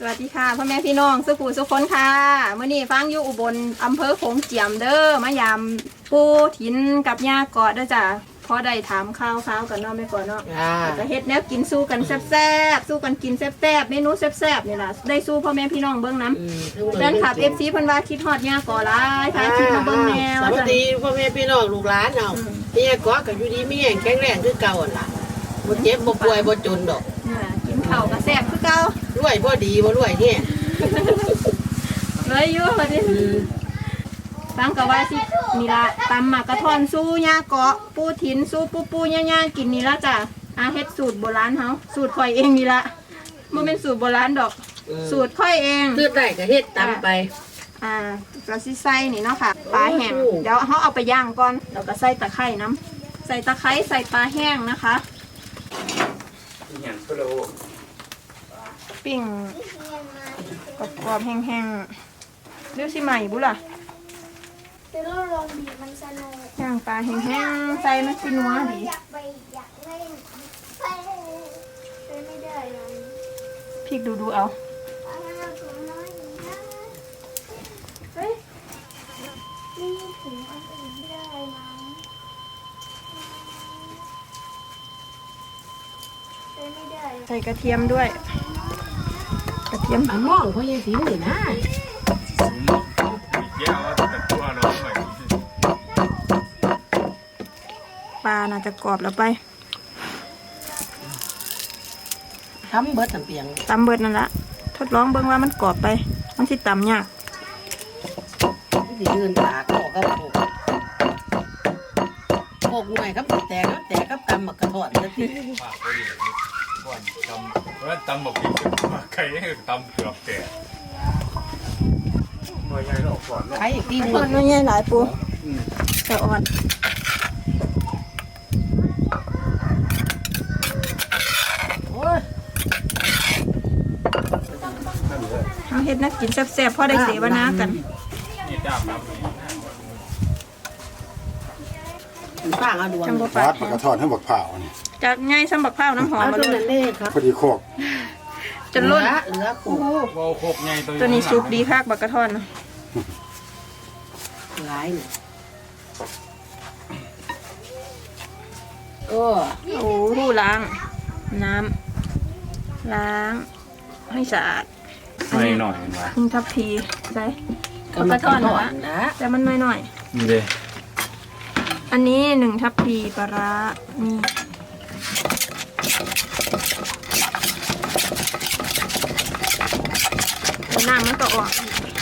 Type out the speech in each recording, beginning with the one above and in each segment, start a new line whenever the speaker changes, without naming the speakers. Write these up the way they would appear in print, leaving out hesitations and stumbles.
วัสดีค่ะพ่อแม่พี่น้องสุขุสุขคนค่ะเมื่อนี้ฟังอยู่อุบลอำเภอโขงเจียมเด้อมายามปูถินกับย่าเกาะเด้อจ้ะพอได้ถามข้าวกันเนาะไม่ก่อนเนาะจะเฮ็ดแนวกินสู้กันแซ่บๆสู้กันกินแซ่บๆเมนูแซ่บๆนี่ล่ะได้สู้พ่อแม่พี่น้องเบิ่งน้ำแฟนคลับ FC เพิ่นว่าคิดฮอดย่าเกาะหลายค่ะคิดมาเบิ่งแนว
สวัสดีพ่อแม่พี่น้องลูกหลานเนาะนี่เกาะกับอยู่ดีมีแห่งแข็งแรงคือเก่าล่ะบ่เจ็บบ่ป่วยบ่จนดอก
กินข้าวก็แซ่บคือเก่าร
วยบ่ดีบ่รวยแฮ่
เลยอยู่บัดนี้ฟังก็ว่าสินี่ล่ะตำหมากกระท่อนสู้ย่าเกาะปูถินสู้ปูย่าๆกินนี่ละจ้ะเฮ็ดสูตรโบราณเฮาสูตรข่อยเองนี่ละบ่แม่นสูตรโบราณดอกสูตรข่อยเอง
คือได้ก็เฮ็ดตามไป
ก็สิใส่นี่เนาะค่ะปลาแห้งเดี๋ยวเฮาเอาไปย่างก่อนแล้วก็ใส่ตะไคร้น้ำใส่ตะไคร้ใส่ปลาแห้งนะคะปิ้งกรอบๆแห้งๆเรียกสิใหม่บุล่ะ
จะลองลองบีบมันสนุก
ย่างปลาแห้งๆใส่มันสินัวดี
อยากไปอยากเล่นไปไม่ได้เลย
พริกดูเอา
เอาให้เราถุงน้อยอีกนะเฮ้ยนี่ถุงอันอื่นไม่ได้มั้งไม่ได้
ใส่กระเทียมด้วยกระเทียม
มามองพ่อยายสินี่นะ
ปลาน่าจะกรอบแล้วไป
ทำเบิดน้ำเปียง
ตำเบิดนั่นละทดลองเบิ่งว่ามันกรอบไปมันสิตำยาก
สิยืนตากออกกับพวกหน่วยครับแตกกับกำมักกระถอนซะที
ตำบอกพี่มาไข่ให้ตำเกือบแตกหน่วยใหญ่หรอกก่อน
ใครอีกทีนึง
อ่อนไม่ใหญ่หลายปูแต่อ่อน
โอ้ย
เอาเฮ็ดนักกินแซ่บๆพอได้เสวนากัน
นี่ด้ามน้ำ
ข้างเอาดวง
จังบ่
วั
ปา
ด
ด
ปากกระทอนให้บักเผานี่
จากง่ายซ้ำบักพร้าวน้ำหอม
เอา
มา
ตัว
เล
นั้
ย
นเด้ครับ
พอดีโคก
จนล้น
เหลือ
โอ้
คู่
โห
โอ้โหใหญ่
ตัวนี้สุกดีคักบักกระท่อนนะ
หลายนี่โอ้
โอ้โหล้างน้ำล้างให้สะอาด
หน่อยหน่อยมา
นี่ทับพีใส่
กำลังทอดนะ
แต่มันน้อย
นี่เลย
ๆอันนี้1 ทับพีปลาร้านี่น้ำมันก็ออก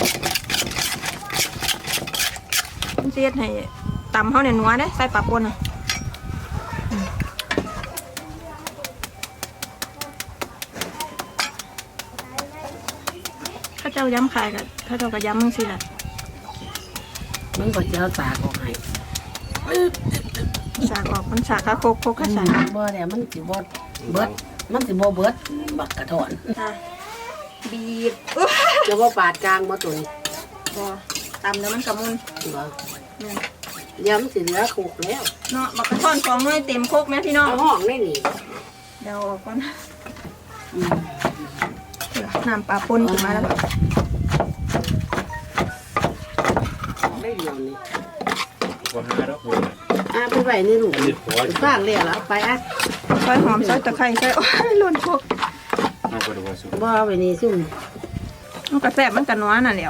มันเสียดให้ตำเขาเนี่ยนัวได้ใส่ปลาปนอ่ะข้าเจ้าย้ำขายกับข้าเจ้าก็ย้ำมึงสิแหละ
มันก็จะเอาสากออกให้
สากออกมันสากข้าโคกข้าสาก
บ่เนี่ยมันสิบ่เบิดมันสิบ่เบิดบักกระถอน
บีบ
จะบ่ปาดกลางบ่ตัวนี้
พอตำแล้วมันกระมุน
บ่
เนี่ย
ย้ำสิเหลือคุกแล้ว
เนาะบักกระท่อนฟองน้อยเต็มโคกไหมพี่น้อง
เอาห้องได้นี่
เดี๋ยวเอาออกก่อนน้ำปลาปนขึ้นมาแล้ว
ได้เดียวนี่
ว่าห้าแล้วคุณ
ไปไว้ในลูกสร้างแล้วเอาไปอ่ะ
ซอยหอมซอยตะไคร้ซอยโอ้ยหล่นโคก
เอาไปดูว่าสุด
บ่เอาไว้นี่ซุ่ม
มันกระแสบมันกระนัวน่ะแหล้ว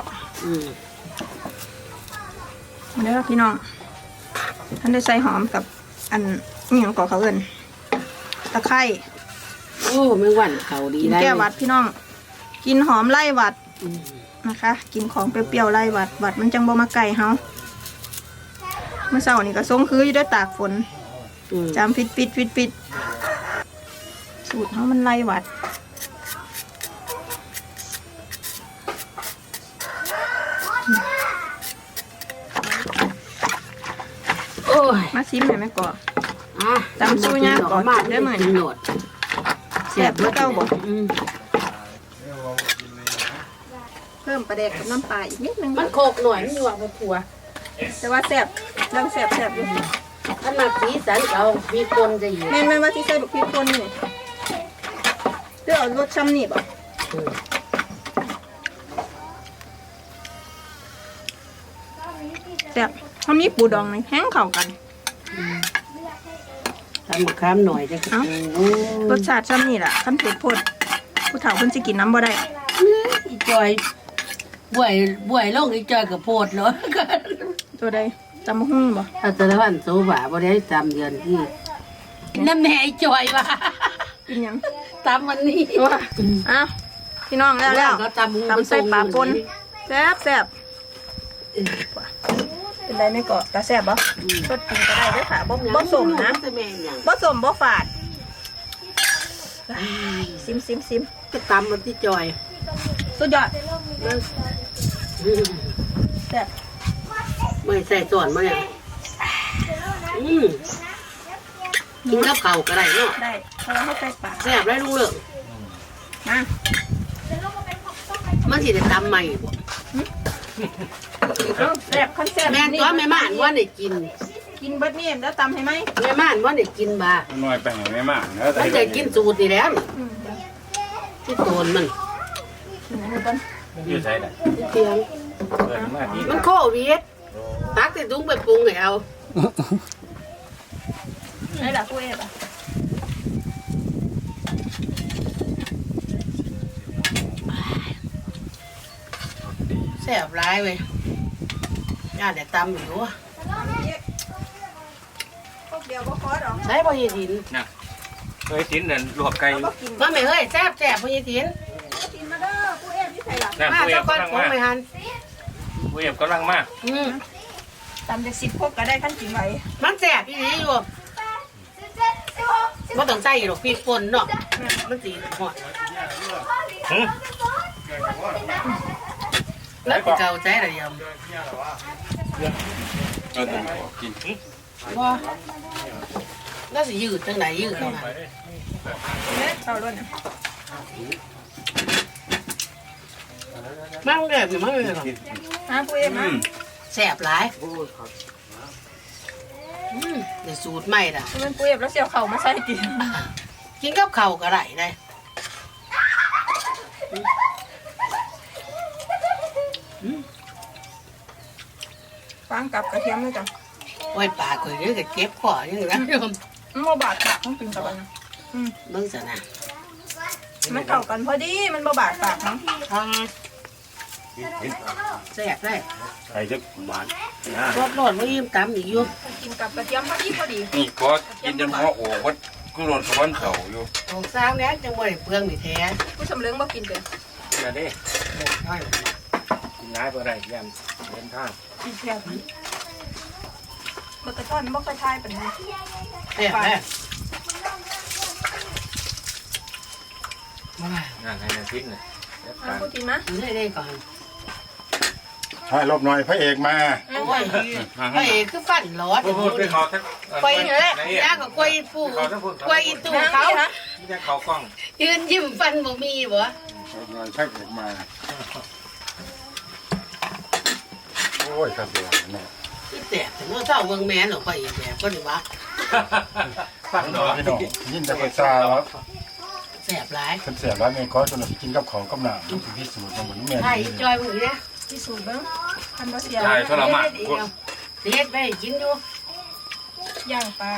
เด้อพี่น้องท่านได้ใส่หอมกับอันนี่ของก่อเขาเอิ้นตะไคร้
โอ้แมงวันเขาดี
กิน
ได้
แก้หวัดพี่น้อง กินหอมไล่หวัดนะคะ กินของเปรี้ยวๆไล่หวัดหวัดมันจังบ่มาไก่เฮาเมื่อเช้านี่ก็ส่งคืออยู่ด้วยตากฝนจามฟิตสูตรเฮามันไล่หวัด
โอ้ย
มาซิมให้แม่ก่อ
ตำสู้ยากก่อนได้เหมือนโหนด
แซ่บเพื่อเก้าบอกเพิ่มปลาแดกกับน้ำปลาอีกนิดนึง
มันโคกหน่อยมันอยู่ว่าผัว
แต่ว่าแซ่บยังแซ่บอยู่
ถ้ามาสีสันเอามีคนจะอยู่
แม่นว่าที่ใส่บักพริกป่นนี่เพื่อเอารสช่ำนี่บ่ซ่บๆเขามีปูดองนี่แห้งเข้ากัน
ทำมะขามหน่อยจะ
เอ้า รสชาติซ้ำนี่แหละขั้นเผ็ดโพดผู้เฒ่าเพิ่นสิกินน้ำบ่ได้
อีจอยบ่วยลงอีจอยกับโพดเนาะ
ตัวใดจำบ่ฮู้บ่
ถ้าแต่ละวันโซบะบ่ได้จำเดือนที่น้ำแหน่อีจอยว่ะ
กินหยัง
ตามวันนี้
ว่าอ้าวพี่น้องแล้ว
ก็ตำ
ตำใส่ปลาปนแซ่บแซ่บเป็นไรไม่เกาะตาแซ่บบ่สดกินก็ได้เด้อค่ะบ่สมนะ
แม่นหยัง
บ่สมบ่ฝาดซิม
จะตำมันที่จอย
สุดยอดแซ่บ
ไม่ใส่ส่วนมาเนี่ยกินกับข้าวก็ได้เนาะ
ได้เพราะว่าเขาใส่ปลา
แซ่บได้ลุงเหลือง
มา
มันสิได้ตำใหม่บ่
เอาแซ่บคันแซ่บ
แม่นตัวแม่ม่านว่าได้กิน
กินเบิดนี่แล้วตำให้ไหม
แม่ม่านว่าได้กินบ่า
น้อยไปไหนไม่มากนะ
มันได้กินสูตรนี่แล้วนี่
อืม
ที่โตนมัน
กินให้เบิ่ง
ยืดใช้ได้
ที่เตียง
เปิดมาที่
มันโควิดตักแต่ถุงไปปรุงให้เอา
ไหนล่ะผู้เอฟอ่ะ
แซ่บร้ายเว้ยย่าได้ตำอยู่
พวกเดียวบ่ขอดอก
ใช้พ่อยีถิน
นะเคยกินนั่นลวกไก่
บ่กิน
มาไม่เฮ้ยแซ่บพ่อยีถิน
กินมาเด้อผู้เอฟที่ใส่ล่ะ
นั่น
มา
ผู้เอ
เจ้า
ฟ
ก้อน
กำลัง
ผง
มา
ไม่หัน
ผู้เอฟกำลังมา
ตำจาก10พวกก็ได้คันกินไว้
มันแซ่บอีหลีอยู่บ่ต้องใส่หรอกพริกป่นเนาะมันสิหอดแล้วสิเก่าใจอะไรยำ
กิน
ว่าแล้วสิยืดจังไหนยืดเข้ามา
เอาล้วนน่ะ
มั่งแบบนี่มั่งเลยหรอ
หาผู้เอฟมา
แซ่บหลายในสูตรใหม่ล่ะ
มันผู้เอฟแล้วเสียวเข่ามาใส่กิน
กินกับข้าวก็ได้ได้
ฟางกับกระเทียมเลยจ้ะ
โอ้ยปลาเคยเยอะก็เจ็บคอยังไงโยม
มันบ่บาดปากต้องกินกับอันนะ
เบิ่งซะนะ
มันเข้ากันพอดีมันบ่บาดปากเนาะ
แซ่บได้
ไก่จะหวานนะ
รสรสว่ายิ้มตำอีกอยู่
กินกับกระเทียมพอดี
นี่ก็กินจนหัวโอ้วัดกูโดนสวรรค์เขาอยู่
ของสร้างแล้วจังบ่ได้เปลืองนี่แท้
ผู้สำเร็งบ่กินเป็น
อย่าได้
น้อย
กินน้ำอะไรยันเดินทาง
กินแค่นี้บ่กระท่อนบ่ค่อยทายปานนี้
แซ่บได้มา
นั่นให้นาทิ้งเลย
เอาผู้กินมา
ได้ก่อน
ให้รบหน่อยพระเอกมา
โอ้ยพระเอกคือฟันหลอด
พูดไปเขาทั้ง
กวยนี่แหละยาก็กวยปูกวยอีตู้เขา
ไม่ใช่เขากล้อง
ยืนยิ้มฟันบ่มีบ่
รบหน่อยพระเอกมา โอ้ยกระเดียวเนี่ย
ที่แตกถึงว่าเศร้าเมืองแม่นหรอกพระเอกแบบก็ดีวะ
ฟังหน่อย
พี่น้องยินแต่คนซาแล้ว
แซ่บหลาย
คนเสียบแล้วเมย์ก็จนกินกับของกับหนามมันคือพิสูจน์มันเหมือนแม่
ใช่จอยมึงเนี่ย
พิสูจน์เบิ่งคันบ่เสีย
ใช่ทรมาน
เฮ็ดไปกินอยู่
ย่างปลา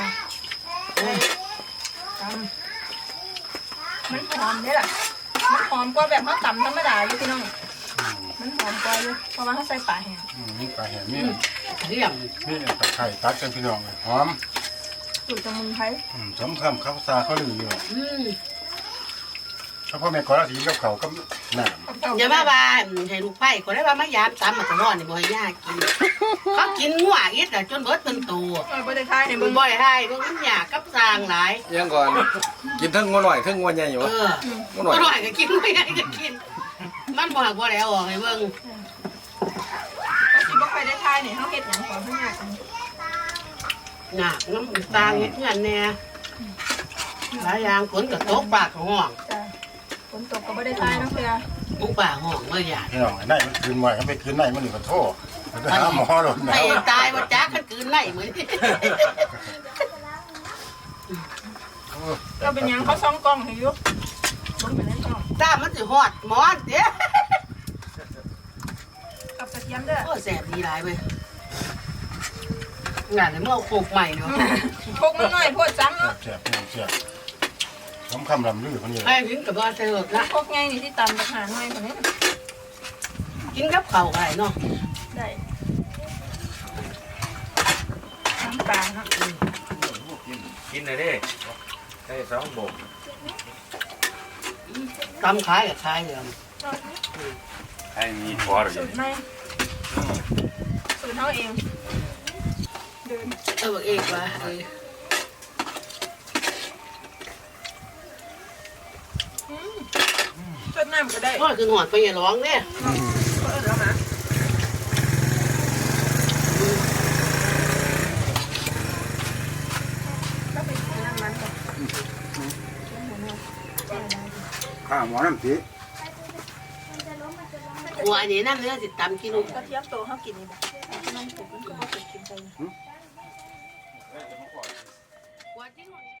ตำมันหอมเด้ล่ะมันหอมกว่าแบบเฮาตำธรรมดาอยู่พี่น้องมันหอมกว่าอยู่เพราะว่าเฮาใส่ปลาแห้ง
นี่ปลาแห้งนี่
เรื่อง
นี่ตะไคร้ตัดกันพี่น้องเลยหอม
สูตรสมุนไพร
สมคำข้าวซาเขาลืออยู่
ม
ถ้าพ่อแม่ขอราศีกับเขากับหนาม
อย่ามาบ้านให้ลูกไผ่คนได้ว่ามายามตามมาตลอดนี่บ่ให้ยากกินเขากินงัวอีกแต่จนเบิดเป็นตัว
บ่ได้ทายให้
มึ
เบิ่
ง
ง
บ่ได้ให้มึงมันยากกับสร้างหลาย
ยังก่อน กินทั้งงัวหน่อยทั้งงัวใหญ่อยู่
เออ
งัวห
บ่
น่อย
น้อยก็กินไม่ได้ก็กิน มันบ่หักบ่ได้เอาออกให้เบิ่ง
ก็สิบ่ค่อยได้ทายนี่เฮาเฮ็ดหยังก่อนเพิ่นยากจัง
หนักน้ำตาลเฮ็ดงานแน่หลายอย่างฝนก็ตกปากก็ห้อง
จ้ะฝนตกก็บ่ได้ทายเนาะเพื่อ
มุกปากห้องเมื่อยาก
พี่น้องไอ้ไหนมันคืนไว้เขาไปคืนไหนมันหรือขอโทษไปหาหมอโดน
ไป
แล้ว
ตายบ่จักคันคืนไหนเหมือน
ก็เป็นหยังเขาซ่องกล้องให้อยู่เบิ่งไปในกล้อง
ตามันสิฮอดหมอนเด้
กับกระเทียมเด้อ
โอ้แซ่บดีหลายเว้ยงานเมื่อโคกใหม่เนาะ
พกมันหน่อยโพดจังเนาะ
แซ่บแซ่บผมคำลำลือคนนี้
ไอ้กินกับว่าเธอละ
พกไงนี่ที่ตำกับหาหน่อยคนนี้
กินกับข้าวไก่เนาะ
ได้น้ำปลาเนาะ
กินเลยดิได้สองโบก
ตำขายกับขายเลย
ให้มีพอหรือ
สูตรไหมสูตรเท่าเองเดิน
เอกว่า
เปิดน้ำก็ได้
ก็คือหอดไปอย่าร้องเนี่ย
เปิดแล้วนะก็ไปกินน้ำมันก่อน
ข้าหมอน้ำสี
หัวอันนี้น้ำเนื้อติดตำกิน
กระเทียมโตเขากินนี่บอกน้ำปุ๋มันก็บ่เคยกินไป